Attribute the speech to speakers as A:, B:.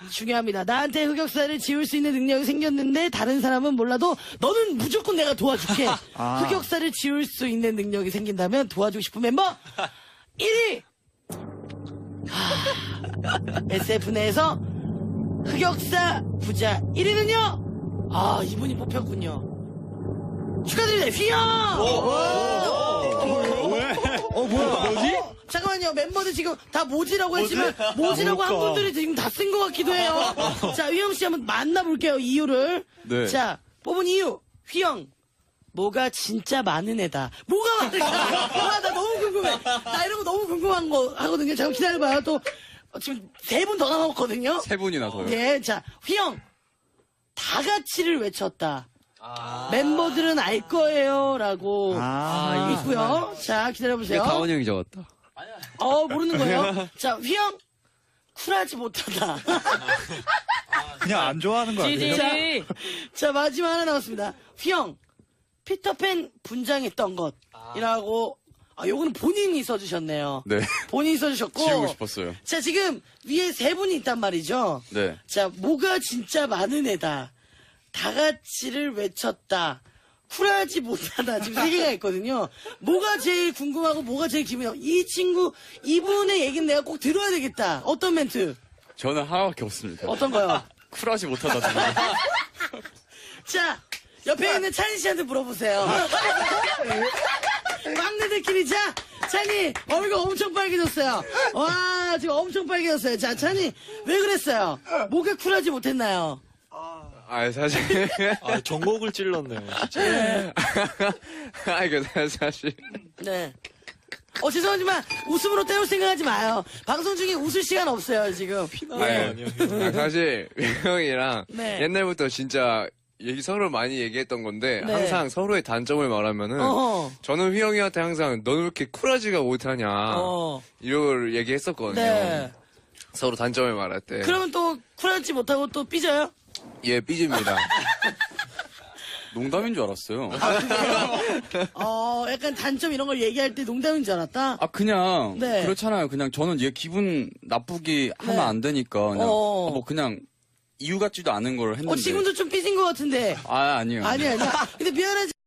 A: 중요합니다. 나한테 흑역사를 지울 수 있는 능력이 생겼는데 다른 사람은 몰라도 너는 무조건 내가 도와줄게. 흑역사를 지울 수 있는 능력이 생긴다면 도와주고 싶은 멤버 1위. SF 내에서 흑역사 부자 1위는요. 이분이 뽑혔군요. 축하드립니다. 휘영.
B: 뭐지?
A: 잠깐만요. member들 지금 다 모지라고 했지만 모지라고 한 분들이 지금 다 쓴 것 같기도 해요. 자, 휘영 씨 한번 만나볼게요. 이유를.
B: 네.
A: 자, 뽑은 이유. 휘영. 뭐가 진짜 많은 애다. 뭐가 많을까? 나 너무 궁금해. 나 이런 거 너무 궁금한 거 하거든요. 잠깐 기다려봐요. 또 지금 3분 더 남았거든요.
B: 3분이나서요.
A: 예, 자, 휘영. 다 같이를 외쳤다. 멤버들은 알 거예요라고 있고요. 자, 기다려보세요.
B: 다원이 형이 적었다.
A: 모르는 거예요. 자, 휘영. 쿨하지 못하다.
C: 그냥 안 좋아하는 거 아니에요?
A: 자, 마지막 하나 남았습니다. 휘영. 피터팬 분장했던 것이라고. 요거는 본인이 써주셨네요.
B: 네.
A: 본인이 써주셨고.
B: 지우고 싶었어요.
A: 자, 지금 위에 3분이 있단 말이죠.
B: 네.
A: 자, 뭐가 진짜 많은 애다. 다 같이를 외쳤다. 쿨하지 못하다. 지금 3개가 있거든요. 뭐가 제일 궁금하고 뭐가 제일 기분이 나고. 이분의 얘기는 내가 꼭 들어야 되겠다. 어떤 멘트?
B: 저는 하나밖에 없습니다.
A: 어떤 거요?
B: 쿨하지 못하다. 정말.
A: 자, 옆에 있는 찬희 씨한테 물어보세요. 막내들끼리, 자, 찬희, 얼굴 엄청 빨개졌어요. 와, 지금 엄청 빨개졌어요. 자, 찬희, 왜 그랬어요? 뭐가 쿨하지 못했나요?
B: 사실.
C: 전곡을 찔렀네요, 진짜.
B: 이거 사실.
A: 네. 죄송하지만 웃음으로 때울 생각하지 마요. 방송 중에 웃을 시간 없어요, 지금.
B: 사실, 형이랑
A: 네.
B: 옛날부터 진짜 서로 많이 얘기했던 건데,
A: 네.
B: 항상 서로의 단점을 말하면은,
A: 어허.
B: 저는 휘영이한테 항상, 너는 왜 이렇게 쿨하지가 못하냐, 이걸 얘기했었거든요.
A: 네.
B: 서로 단점을 말할 때.
A: 그러면 또 쿨하지 못하고 또 삐져요?
B: 예, 삐집니다.
D: 농담인 줄 알았어요.
A: 약간 단점 이런 걸 얘기할 때 농담인 줄 알았다?
D: 그냥
A: 네.
D: 그렇잖아요. 그냥 저는 얘 기분 나쁘게 하면
A: 네.
D: 안 되니까 그냥
A: 어.
D: 그냥 이유 같지도 않은 걸 했는데.
A: 지금도 좀 삐진 것 같은데.
D: 아니에요.
A: 아니야. 근데 미안하지.